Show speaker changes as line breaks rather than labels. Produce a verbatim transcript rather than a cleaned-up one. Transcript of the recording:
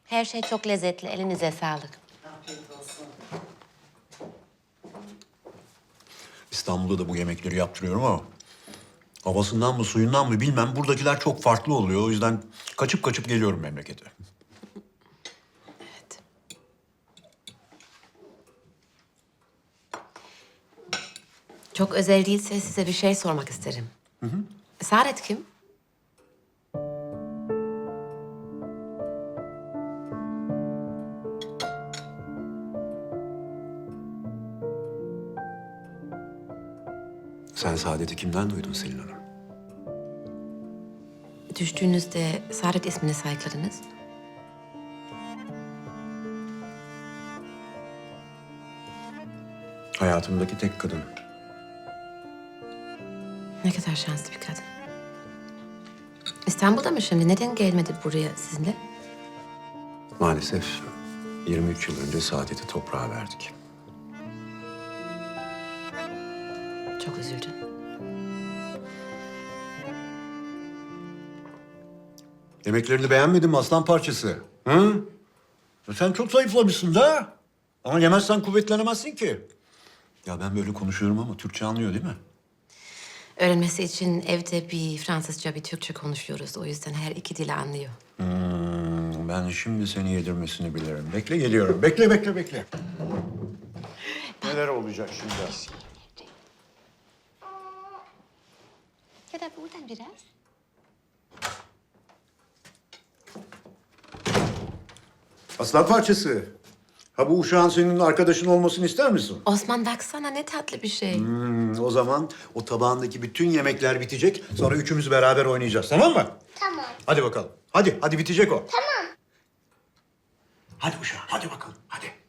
Her şey çok lezzetli. Elinize sağlık.
Afiyet olsun.
İstanbul'da da bu yemekleri yaptırıyorum ama havasından mı suyundan mı bilmem buradakiler çok farklı oluyor. O yüzden kaçıp kaçıp geliyorum memlekete.
Evet. Çok özel değilse size bir şey sormak isterim. Hı hı. Saadet kim?
Sen Saadet'i kimden duydun Selin Hanım?
Düştüğünüzde Saadet ismini sayıkladınız.
Hayatımdaki tek kadın.
Ne kadar şanslı bir kadın. İstanbul'da mı şimdi? Neden gelmedi buraya sizinle?
Maalesef yirmi üç yıl önce Saadet'i toprağa verdik.
Çok üzüldüm.
Yemeklerini beğenmedin mi aslan parçası? Hı? Ya sen çok zayıflamışsın da. Ama yemezsen kuvvetlenemezsin ki. Ya ben böyle konuşuyorum ama Türkçe anlıyor değil mi?
Öğrenmesi için evde bir Fransızca, bir Türkçe konuşuyoruz. O yüzden her iki dili anlıyor.
Hmm, ben şimdi seni yedirmesini bilirim. Bekle geliyorum. Bekle, bekle, bekle. Neler olacak şimdi?
Ya da buradan biraz.
Aslan parçası. Ha bu uşağın senin arkadaşın olmasını ister misin?
Osman baksana ne tatlı bir şey.
Hmm, o zaman o tabağındaki bütün yemekler bitecek. Sonra üçümüz beraber oynayacağız. Tamam mı?
Tamam.
Hadi bakalım. Hadi, hadi bitecek o. Tamam. Hadi uşağım, hadi bakalım. Hadi.